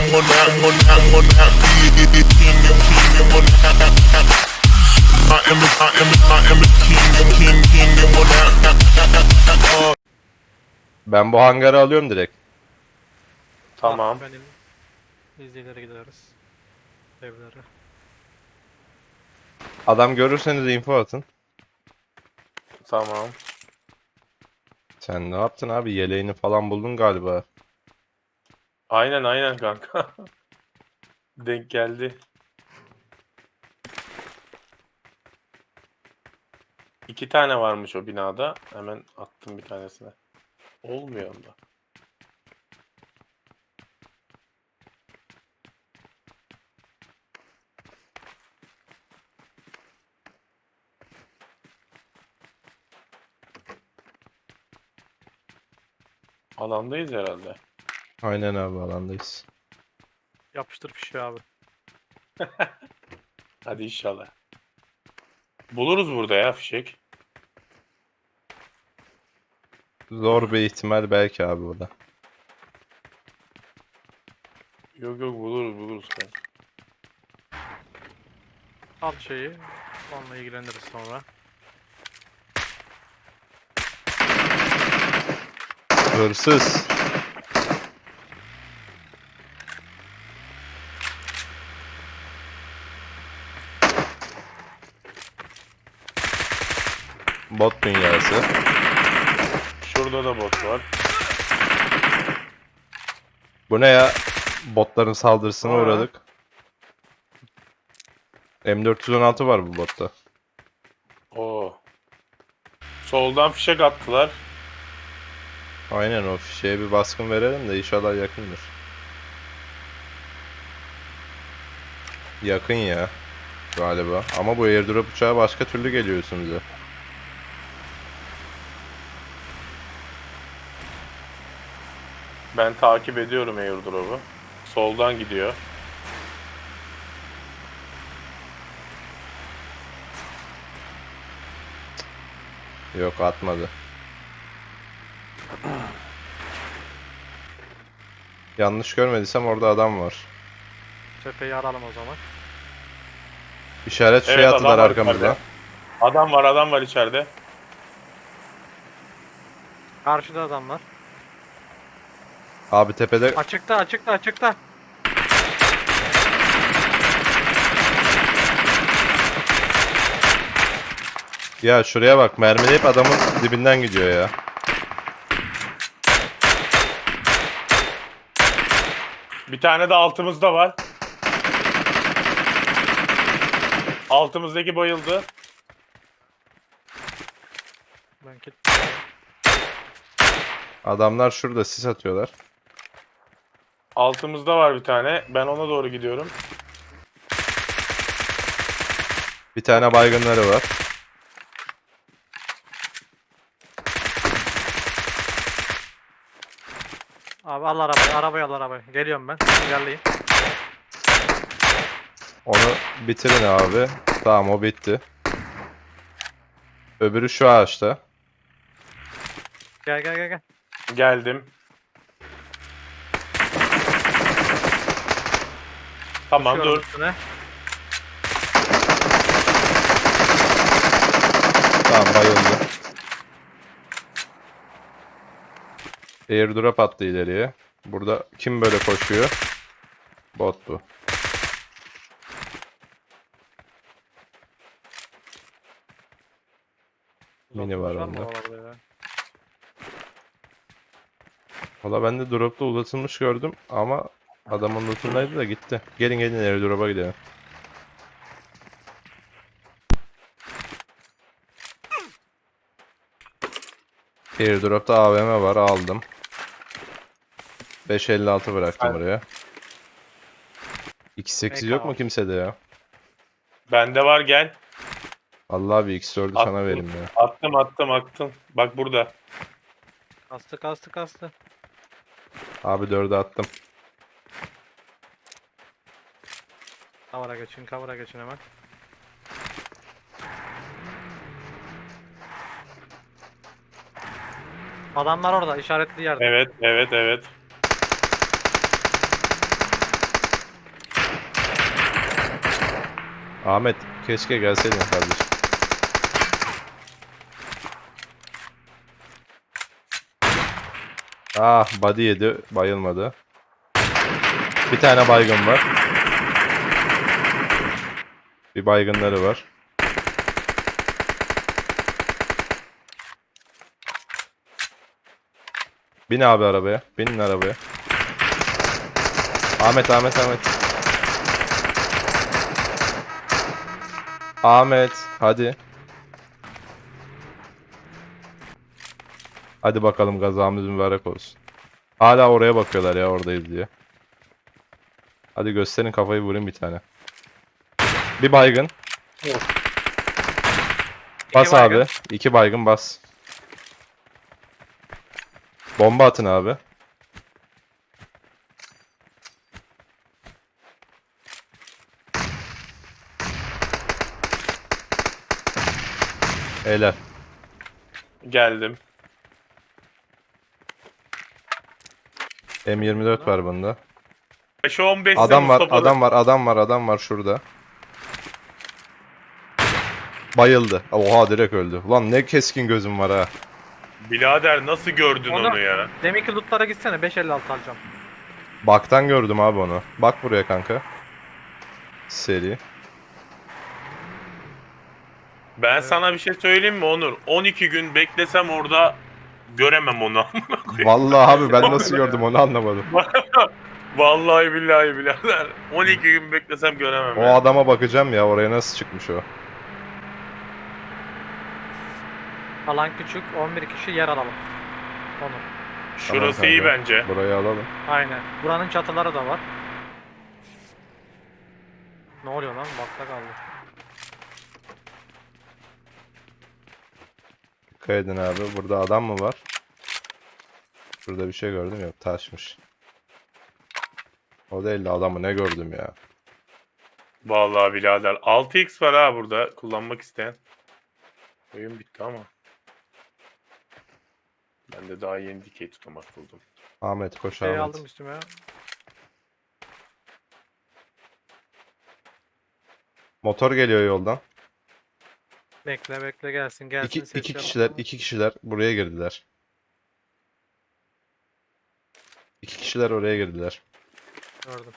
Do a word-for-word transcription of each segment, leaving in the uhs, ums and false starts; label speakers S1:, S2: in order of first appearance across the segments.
S1: Ben bu hangarı alıyorum direkt.
S2: Tamam.
S3: Benim izleyicilere gidiyoruz. Evlere.
S1: Adam görürseniz info atın.
S2: Tamam.
S1: Sen ne yaptın abi? Yeleğini falan buldun galiba.
S2: Aynen aynen kanka. Denk geldi. İki tane varmış o binada. Hemen attım bir tanesine. Olmuyor onda. Alandayız herhalde.
S1: Aynen abi, alandayız.
S3: Yapıştır fişi abi.
S2: Hadi inşallah. Buluruz burada ya fişek.
S1: Zor bir ihtimal belki abi o da.
S2: Yok yok buluruz buluruz kanka.
S3: Al şeyi. Onunla ilgileniriz sonra.
S1: Hırsız. Bot dünyası.
S2: Şurada da bot var.
S1: Bu ne ya? Botların saldırısına
S3: Aa.
S1: uğradık. M dört yüz on altı var bu botta.
S2: Oo. Soldan fişek attılar.
S1: Aynen, o fişeğe bir baskın verelim de inşallah yakındır. Yakın ya galiba. Ama bu airdrop uçağı başka türlü geliyor üstümüze.
S2: Ben takip ediyorum airdrop'u. Soldan gidiyor.
S1: Yok, atmadı. Yanlış görmediysem orada adam var.
S3: Tepeyi aralım o zaman.
S1: İşaret şey
S2: Evet, adam
S1: attılar
S2: var
S1: arkamızdan.
S2: içeride. Adam var adam var içeride.
S3: Karşıda adamlar.
S1: Abi tepede
S3: Açıkta açıkta açıkta.
S1: ya şuraya bak, mermileyip adamın dibinden gidiyor ya.
S2: Bir tane de altımızda var. Altımızdaki bayıldı.
S3: Ben kit.
S1: Adamlar şurada sis atıyorlar.
S2: Altımızda var bir tane. Ben ona doğru gidiyorum.
S1: Bir tane baygınları var.
S3: Abi al arabayı, arabayı al arabayı. Geliyorum ben. İlerleyin.
S1: Onu bitirin abi. Tamam, o bitti. Öbürü şu ağaçta.
S3: Gel gel gel gel.
S2: Geldim. Tamam
S3: Düşüyorum
S2: dur.
S3: üstüne.
S1: Tamam, bayıldı. Airdrop attı ileriye. Burada kim böyle koşuyor? Bot bu. Mini var
S3: Uzatılmış
S1: onda.
S3: mı oralarda ya?
S1: Valla ben de dropta uzatılmış gördüm ama adamın lootundaydı da gitti. Gelin gelin, airdrop'a gidelim. Airdrop'ta A V M var, aldım. beş elli altı bıraktım
S2: Ben-
S1: buraya. iki sekiz yok mu
S3: var.
S1: kimsede ya?
S2: Bende var gel.
S1: Allah, bir X dördü
S2: Attım.
S1: sana vereyim ya.
S2: Attım attım attım. Bak burada.
S3: Kastı kastı kastı.
S1: Abi dördü attım.
S3: Kavara geçin kavara geçin hemen. Adamlar orada işaretli yerde.
S2: Evet evet evet.
S1: Ahmet keşke gelseydin kardeşim. Ah body yedi. Bayılmadı. Bir tane baygın var. Bir baygınları var. Bin abi arabaya. Binin arabaya. Ahmet, Ahmet, Ahmet. Ahmet, hadi. Hadi bakalım gazamız mübarek olsun. Hala oraya bakıyorlar ya oradayız diye. Hadi gösterin kafayı vurayım bir tane. Bir baygın. Bas
S3: baygın.
S1: abi. İki baygın bas. Bomba atın abi. Helal.
S2: Geldim.
S1: M yirmi dört var bunda.
S2: beş on beş
S1: Adam var,
S2: Mustafa'da.
S1: adam var, adam var, adam var şurada. Bayıldı. Oha direkt öldü. Ulan ne keskin gözüm var ha.
S2: Birader nasıl gördün
S3: Onu-
S2: onu ya?
S3: Deminki lootlara gitsene beş elli altı alacağım.
S1: Baktan gördüm abi onu. Bak buraya kanka. Seri.
S2: Ben
S3: Evet.
S2: sana bir şey söyleyeyim mi Onur? on iki gün beklesem orada göremem onu.
S1: Vallahi abi ben nasıl gördüm onu anlamadım.
S2: Vallahi billahi birader. on iki gün beklesem göremem
S1: O
S2: ya.
S1: adama bakacağım ya oraya nasıl çıkmış o.
S3: Alan küçük on bir kişi yer alalım. Onur.
S2: Şurası
S1: Tamam
S2: iyi
S1: kanka.
S2: bence.
S1: Burayı alalım.
S3: Aynen. Buranın çatıları da var. Ne oluyor lan? Bakta kaldı.
S1: Dikkat edin abi. Burada adam mı var? Şurada bir şey gördüm yok taşmış. O değil de adamı ne gördüm ya.
S2: Vallahi birader. altı x var ha burada kullanmak isteyen. Oyun bitti ama. Ben de daha yeni dikey tutamak buldum.
S1: Ahmet koş
S3: Şey
S1: Ahmet.
S3: aldım üstüme.
S1: Motor geliyor yoldan.
S3: Bekle bekle gelsin gelsin.
S1: İki,
S3: ses
S1: iki
S3: yap-
S1: kişiler, iki kişiler buraya girdiler. İki kişiler oraya girdiler.
S3: Gördüm.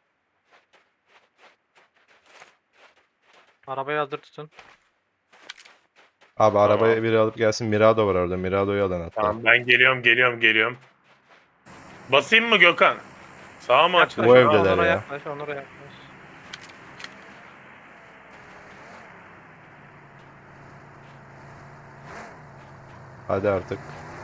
S3: Arabayı hazır tutun.
S1: Abi
S2: Tamam.
S1: arabaya biri alıp gelsin. Mirado var orada. Mirado'yu alın hatta.
S2: Tamam ben geliyorum geliyorum geliyorum. Basayım mı Gökhan? Sağa mı
S3: Yaklaş,
S1: Bu
S2: açılıyor?
S1: evdeler
S3: Onur'a
S1: ya.
S3: yaklaş, Onur'a yaklaş.
S1: Hadi artık.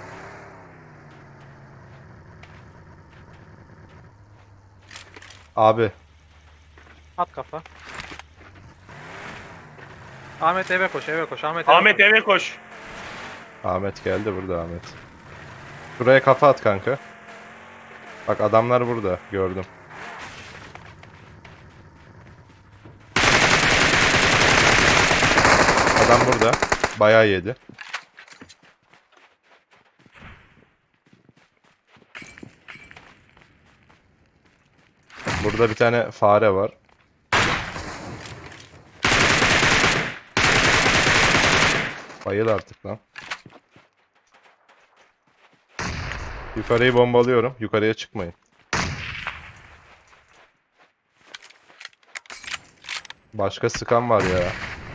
S1: Abi
S3: At kafa. Ahmet eve koş, eve koş. Ahmet eve
S2: Ahmet
S3: koş.
S2: eve koş.
S1: Ahmet geldi burada Ahmet. Şuraya kafa at kanka. Bak adamlar burada. Gördüm. Adam burada. Bayağı yedi. Burada bir tane fare var. Bayıl artık lan. Yukarıyı bombalıyorum. Yukarıya çıkmayın. Başka sıkan var ya.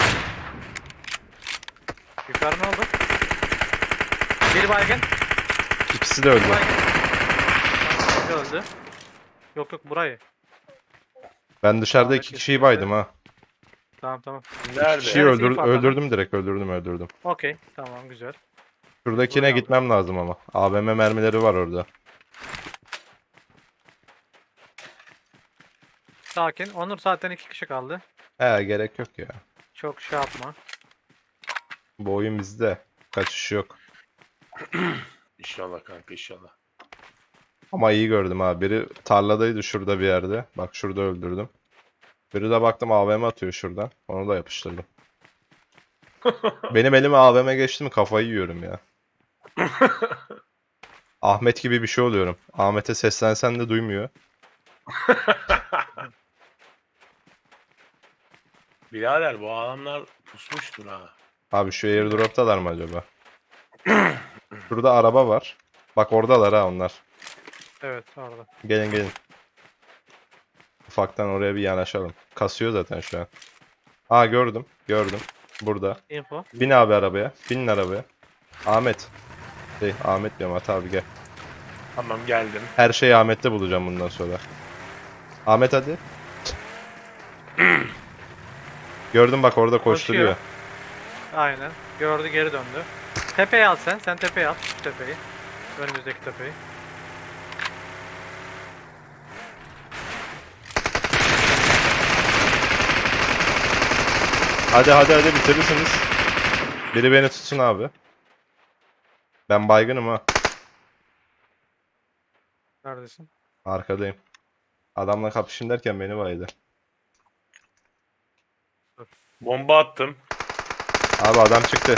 S3: Yukarı ne oldu? Bir baygın.
S1: İkisi de öldü.
S3: Bir baygın. Tamam, biri öldü. Yok yok burayı.
S1: Ben dışarıda
S3: Ahmet
S1: iki kişiyi
S3: kesinlikle.
S1: baydım ha.
S3: Tamam tamam.
S2: Nerede?
S1: Kişiyi
S3: Neresi
S1: öldür
S3: info atalım?
S1: öldürdüm direkt öldürdüm öldürdüm.
S3: Okey tamam güzel.
S1: Şuradakine
S3: Buraya
S1: gitmem lazım ama. A V M mermileri var orada.
S3: Sakin. Onur zaten iki kişi kaldı.
S1: He gerek yok ya.
S3: Çok şey yapma.
S1: Bu oyun bizde. Kaçış yok.
S2: İnşallah kanka inşallah.
S1: Ama iyi gördüm ha. Biri tarladaydı şurada bir yerde. Bak şurada öldürdüm. Biri de baktım A V M atıyor şuradan. Onu da yapıştırdım. Benim elime A V M geçti mi kafayı yiyorum ya. Ahmet gibi bir şey oluyorum. Ahmet'e seslensen de duymuyor.
S2: Birader bu adamlar pusmuştur ha.
S1: Abi şu airdrop'talar mı acaba? Şurada araba var. Bak oradalar ha onlar.
S3: Evet orada.
S1: Gelin gelin. Ufaktan oraya bir yanaşalım. Kasıyor zaten şu an. Aa gördüm. Gördüm. Burada.
S3: Info.
S1: Bin abi arabaya. Binin arabaya. Ahmet. Şey Ahmet diyorum Ata abi gel.
S2: Tamam geldim.
S1: Her şeyi Ahmet'te bulacağım bundan sonra. Ahmet hadi. Gördüm bak orada koşturuyor.
S3: Aynen. Gördü geri döndü. Tepeye al sen. Sen tepeye al. Şu tepeyi. Önümüzdeki tepeyi.
S1: Hadi hadi hadi bitirirsiniz. Biri beni tutsun abi. Ben baygınım ha.
S3: Neredesin?
S1: Arkadayım. Adamla kapışın derken beni baydı.
S2: Bomba attım.
S1: Abi adam çıktı.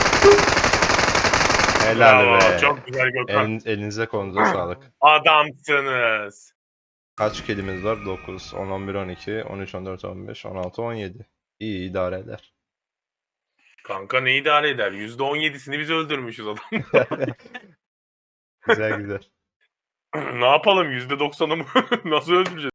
S1: Helal
S2: Bravo,
S1: be.
S2: çok güzel Gökhan.
S1: Elin- elinize kolunuza sağlık.
S2: Adamsınız.
S1: Kaç kilimiz var? dokuz, on, on bir, on iki, on üç, on dört, on beş, on altı, on yedi. İyi idare eder.
S2: Kanka ne idare eder? yüzde on yedisini biz öldürmüşüz adam.
S1: Güzel güzel.
S2: Ne yapalım? yüzde doksanı mı? Nasıl öldüreceğiz?